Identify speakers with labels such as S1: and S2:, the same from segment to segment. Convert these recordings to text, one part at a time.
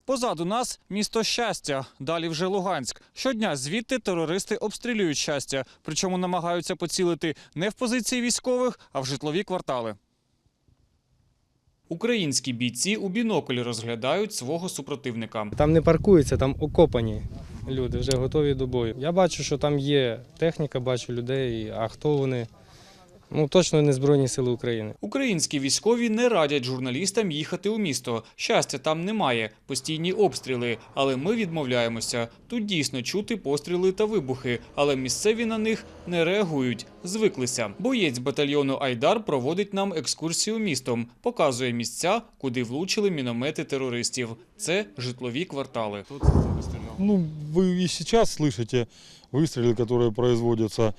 S1: Позаду нас місто Щастя, далі вже Луганськ. Щодня звідти терористи обстрілюють Щастя, причому намагаються поцілити не в позиції військових, а в житлові квартали. Українські бійці у бінокль розглядають свого супротивника.
S2: Там не паркуються, там окопані люди, вже готові до бою. Я бачу, що там є техніка, бачу людей, а хто вони? Ну, точно не Збройні сили України.
S1: Українські військові не радять журналістам їхати у місто. Щастя там немає, постійні обстріли. Але ми відмовляємося. Тут дійсно чути постріли та вибухи, але місцеві на них не реагують. Звиклися. Боєць батальйону «Айдар» проводить нам екскурсію містом. Показує місця, куди влучили міномети терористів. Це житлові квартали.
S3: Ну, вы и сейчас слышите выстрелы, которые производятся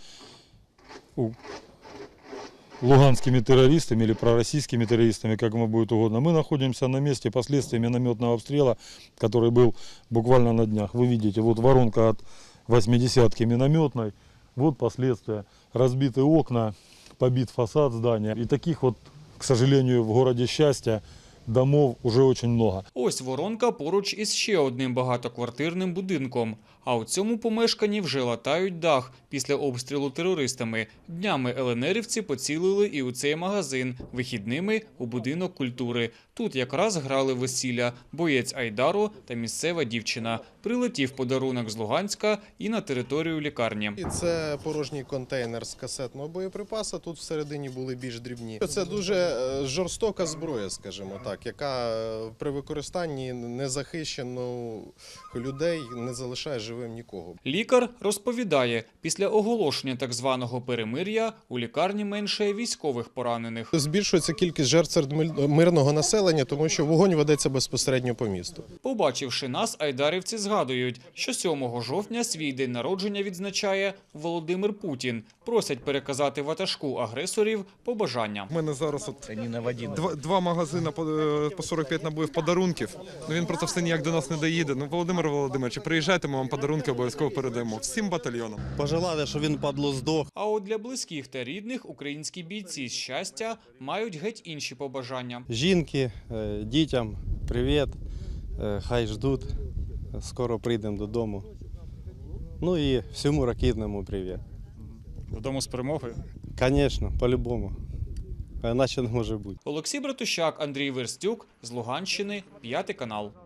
S3: луганскими террористами или пророссийскими террористами, как ему будет угодно. Мы находимся на месте последствий минометного обстрела, который был буквально на днях. Вы видите, вот воронка от 80-ки минометной, вот последствия. Разбиты окна, побит фасад здания. И таких вот, к сожалению, в городе Счастья домов уже очень много.
S1: Ось воронка поруч із ще одним багатоквартирним будинком. А у цьому помешканні вже латають дах після обстрілу терористами. Днями ЛНРівці поцілили і у цей магазин, вихідними – у будинок культури. Тут якраз грали весілля, боєць «Айдару» та місцева дівчина. Прилетів подарунок з Луганська і на територію лікарні.
S4: Це порожній контейнер з касетного боєприпасу, тут всередині були більш дрібні. Це дуже жорстока зброя, скажімо так, яка при використанні незахищених людей не залишає живим нікого.
S1: Лікар розповідає, після оголошення так званого перемир'я у лікарні менше військових поранених.
S4: Збільшується кількість жертв серед мирного населення, тому що вогонь ведеться безпосередньо по місту.
S1: Побачивши нас, айдарівці згадують, що 7 жовтня свій день народження відзначає Володимир Путін. Просять переказати ватажку агресорів побажання.
S5: У мене зараз два магазини по 45 набоїв подарунків. Він просто все ніяк до нас не доїде. Володимир Володимирович, приїжджайте, ми вам подарунки обов'язково передаємо. Всім батальйонам.
S6: Пожелати, щоб він, падло, здох.
S1: А от для близьких та рідних українські бійці з Щастя мають геть інші побажання.
S6: Жінки, дітям привіт, хай ждуть, скоро прийдемо додому. Ну і всьому ракетному привіт.
S1: Додому з перемогою?
S6: Звісно, по-любому. А іначе не може бути.
S1: Олексій Братущак, Андрій Верстюк з Луганщини, 5 канал.